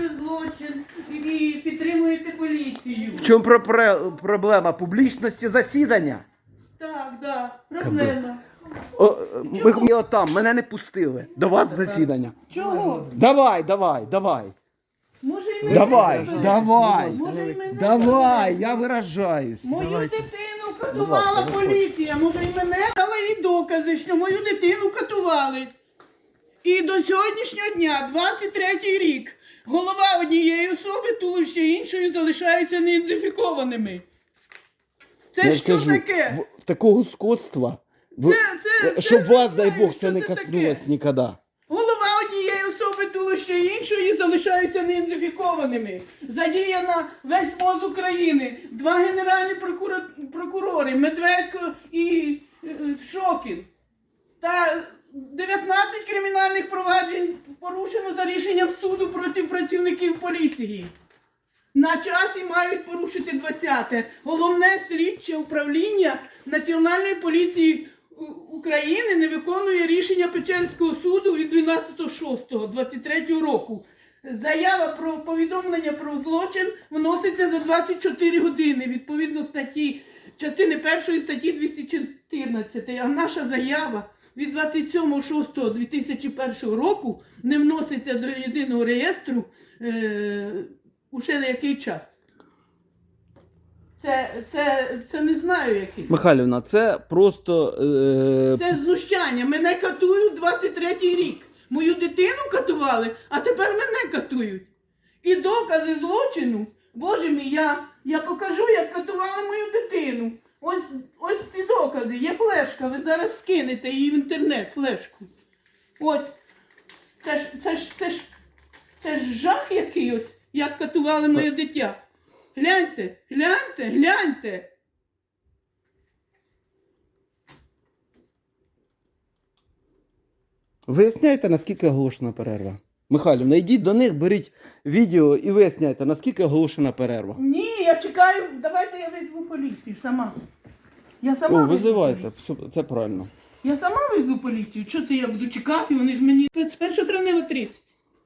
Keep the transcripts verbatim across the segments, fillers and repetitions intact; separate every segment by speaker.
Speaker 1: злочин і підтримуєте поліцію.
Speaker 2: В чому про- про- проблема? Публічності засідання?
Speaker 1: Так, да, проблема.
Speaker 2: О, ми, ми отам, мене не пустили. До вас засідання.
Speaker 1: Чого?
Speaker 2: Давай, давай, давай.
Speaker 1: Може і мене
Speaker 2: Давай,
Speaker 1: заберете?
Speaker 2: давай.
Speaker 1: Може і мене
Speaker 2: Давай, я виражаюсь.
Speaker 1: Мою дитину катувала поліція, може і мене, але і докази, що мою дитину катували. І до сьогоднішнього дня, двадцять третій рік, голова однієї особи, туловище іншої залишаються неідентифікованими. Це
Speaker 2: Я
Speaker 1: що
Speaker 2: кажу,
Speaker 1: таке?
Speaker 2: в- такого скотства, в-
Speaker 1: Це- це-
Speaker 2: щоб
Speaker 1: це
Speaker 2: вас,
Speaker 1: не
Speaker 2: дай
Speaker 1: знаю,
Speaker 2: Бог,
Speaker 1: що
Speaker 2: це не
Speaker 1: це
Speaker 2: коснулось
Speaker 1: таке.
Speaker 2: ніколи.
Speaker 1: Голова однієї особи, туловище іншої залишаються неідентифікованими. Задіяна весь МОЗ України, два генеральні прокура- прокурори, Медведко і е, Шокін. Та дев'ятнадцять кримінальних проваджень порушено за рішенням суду проти працівників поліції. На часі мають порушити двадцяте. Головне слідче управління Національної поліції У- України не виконує рішення Печерського суду від дванадцятого шостого двадцять третього року. Заява про повідомлення про злочин вноситься за двадцять чотири години, відповідно статті, частини першої статті двісті чотирнадцять. А наша заява від двадцять сьомого шостого дві тисячі першого року не вноситься до єдиного реєстру е, уже на який час. Це, це, це не знаю який.
Speaker 2: Михайлівна, це просто... Е...
Speaker 1: Це знущання. Мене катують двадцять третій рік. Мою дитину катували, а тепер мене катують. І докази злочину, боже мій, я, я покажу, як катували мою дитину. Ось, ось ці докази, є флешка, ви зараз скинете її в інтернет, флешку. Ось. Це ж, це ж, це ж, це ж жах який ось, як катували моє дитя. Гляньте, гляньте, гляньте.
Speaker 2: Виясняйте, наскільки оголошена перерва. Михайлівна, йдіть до них, беріть відео і виясняйте, наскільки оголошена перерва.
Speaker 1: Ні, я чекаю, давайте я визву поліцію сама. Я сама
Speaker 2: О,
Speaker 1: визву
Speaker 2: визивайте,
Speaker 1: поліцію.
Speaker 2: все, це правильно.
Speaker 1: Я сама визву поліцію. Що це я буду чекати? Вони ж мені з першого травня тридцять.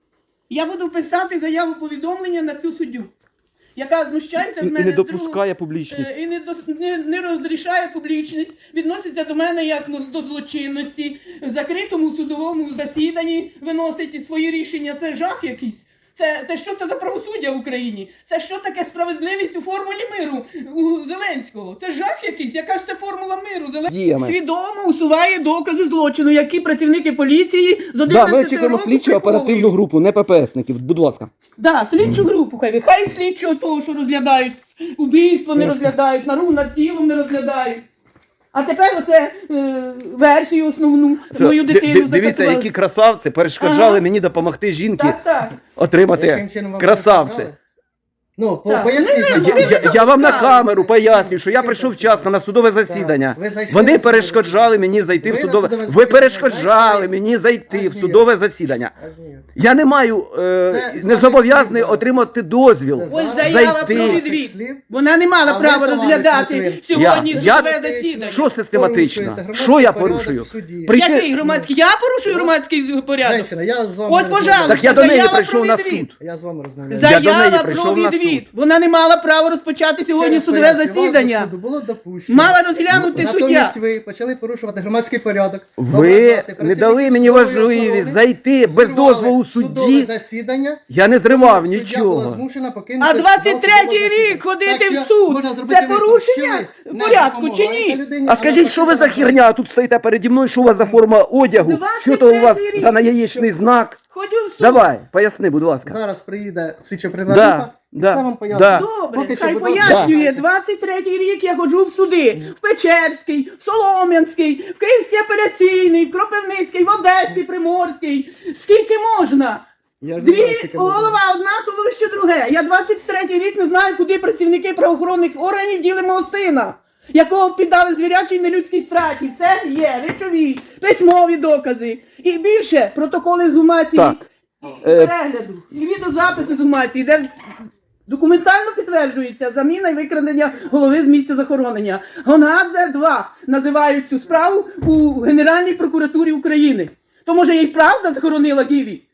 Speaker 1: Я буду писати заяву повідомлення на цю суддю, яка знущається з
Speaker 2: І
Speaker 1: мене
Speaker 2: не
Speaker 1: з другого-
Speaker 2: допускає
Speaker 1: е,
Speaker 2: публічність.
Speaker 1: і не, дос- не, не розрішає публічність, відноситься до мене як ну, до злочинності, в закритому судовому засіданні виносить свої рішення. Це жах якийсь. Це, це що це за правосуддя в Україні? Це що таке справедливість у формулі миру у Зеленського? Це жах якийсь? Яка ж це формула миру? Зеленського
Speaker 2: Діями.
Speaker 1: свідомо усуває докази злочину, які працівники поліції з
Speaker 2: Да,
Speaker 1: одинадцятого
Speaker 2: ми очікуємо
Speaker 1: року
Speaker 2: слідчу оперативну
Speaker 1: приховують.
Speaker 2: групу, не ППСників, будь ласка.
Speaker 1: Да, слідчу групу хай. Хай слідчого того, що розглядають, убійство не розглядають, нару над тілом не розглядають. А тепер оце е, версію основну мою
Speaker 2: Ди-
Speaker 1: дитину
Speaker 2: ди- Дивіться,
Speaker 1: закатували.
Speaker 2: які красавці перешкоджали
Speaker 1: Ага.
Speaker 2: мені допомогти жінки
Speaker 1: Так, так.
Speaker 2: отримати
Speaker 3: Яким чином вам
Speaker 2: красавці.
Speaker 3: перешкоджали? Ну, по-
Speaker 1: Так.
Speaker 3: поясніть.
Speaker 1: Ну,
Speaker 3: нам,
Speaker 1: не-
Speaker 2: Я,
Speaker 3: будь ласка.
Speaker 2: я, я вам на камеру пояснюю, що я прийшов вчасно на судове засідання.
Speaker 3: Ви зайшли на
Speaker 2: Вони
Speaker 3: судове
Speaker 2: перешкоджали мені зайти в
Speaker 3: Ви на
Speaker 2: судове.
Speaker 3: судове
Speaker 2: Ви
Speaker 3: засідання
Speaker 2: перешкоджали
Speaker 3: зайшли?
Speaker 2: мені зайти
Speaker 3: Аж
Speaker 2: в
Speaker 3: ніяк.
Speaker 2: судове засідання.
Speaker 3: Аж ніяк.
Speaker 2: Я не маю е,
Speaker 3: Це з
Speaker 2: не
Speaker 3: ваших
Speaker 2: зобов'язаний
Speaker 3: слів зараз.
Speaker 2: отримати дозвіл.
Speaker 3: Це
Speaker 1: Ось
Speaker 3: зараз
Speaker 1: заява
Speaker 2: зайти.
Speaker 1: про
Speaker 3: ваших
Speaker 1: відвід.
Speaker 3: слів.
Speaker 1: Вона не мала
Speaker 3: А ви,
Speaker 1: права
Speaker 3: товариш
Speaker 1: розглядати
Speaker 3: Литвин,
Speaker 1: сьогодні
Speaker 2: Я- я-
Speaker 1: судове засідання.
Speaker 2: Що систематично?
Speaker 3: Порушуєте
Speaker 2: Що я
Speaker 3: громадський
Speaker 2: порушую?
Speaker 3: порядок в суді.
Speaker 2: Прийти-
Speaker 1: Який громадський? Я порушую громадський порядок.
Speaker 3: Женщина, я з вами
Speaker 1: Ось,
Speaker 3: розмовляю.
Speaker 1: пожалуйста.
Speaker 2: Так я до неї
Speaker 1: Заява
Speaker 2: прийшов
Speaker 1: про
Speaker 2: на
Speaker 1: відвід.
Speaker 2: суд.
Speaker 3: Я з вами розмовляю.
Speaker 2: Я до неї
Speaker 1: Заява
Speaker 2: прийшов
Speaker 1: про
Speaker 2: на
Speaker 1: відвід.
Speaker 2: суд.
Speaker 1: Вона не мала права розпочати сьогодні
Speaker 3: Ще раз
Speaker 1: судове
Speaker 3: пояснюю, вас до
Speaker 1: засідання.
Speaker 3: суду було допущено.
Speaker 1: Мала розглянути суддя.
Speaker 3: Натомість ви почали порушувати громадський порядок.
Speaker 2: Ви
Speaker 3: ображати
Speaker 2: не дали
Speaker 3: працівників
Speaker 2: мені
Speaker 3: судової
Speaker 2: можливість
Speaker 3: охорони,
Speaker 2: зайти без
Speaker 3: зірвали
Speaker 2: дозволу
Speaker 3: судове
Speaker 2: судді.
Speaker 3: засідання.
Speaker 2: Я не зривав
Speaker 3: Суддя була
Speaker 2: нічого.
Speaker 3: змушена покинути
Speaker 1: А
Speaker 3: зал
Speaker 1: двадцять третій
Speaker 3: судового
Speaker 1: рік
Speaker 3: засідання.
Speaker 1: ходити
Speaker 3: Так
Speaker 1: в
Speaker 3: що
Speaker 1: суд
Speaker 3: можна
Speaker 1: –
Speaker 3: зробити
Speaker 1: це
Speaker 3: висновок,
Speaker 1: порушення
Speaker 3: що ви не
Speaker 1: порядку чи
Speaker 3: допомагаєте
Speaker 1: ні?
Speaker 3: людині,
Speaker 2: А скажіть, що ви за херня? А тут стоїте переді мною, що у вас за форма одягу?
Speaker 1: двадцять
Speaker 2: Що то у вас
Speaker 1: третій рік.
Speaker 2: за наяєчний знак?
Speaker 1: Ходю в суд.
Speaker 2: Давай, поясни, будь ласка.
Speaker 3: Зараз приїде слідчо
Speaker 2: Да,
Speaker 3: придатна,
Speaker 2: да,
Speaker 3: сам вам
Speaker 2: да.
Speaker 3: поясню.
Speaker 1: Добре,
Speaker 3: Поки що,
Speaker 1: хай
Speaker 3: будь ласка,
Speaker 1: пояснює.
Speaker 3: дайте.
Speaker 1: двадцять третій рік я ходжу в суди. В Печерський, в Солом'янський, в Київський апеляційний, в Кропивницький, в Одеський, Приморський. Скільки можна?
Speaker 3: Я ж не знаю,
Speaker 1: Дві
Speaker 3: скільки можна.
Speaker 1: голова, одна туловище друге. Я двадцять третій рік не знаю, куди працівники правоохоронних органів діли мого сина, якого піддали звірячій нелюдській страті. Все є, речові, письмові докази. І більше протоколи з гумації,
Speaker 2: Так.
Speaker 1: і
Speaker 2: Е,
Speaker 1: перегляду, і відеозаписи з гумації, де документально підтверджується заміна і викрадення голови з місця захоронення. Гонгадзе два називають цю справу у Генеральній прокуратурі України. То може їй правда захоронила Гіві?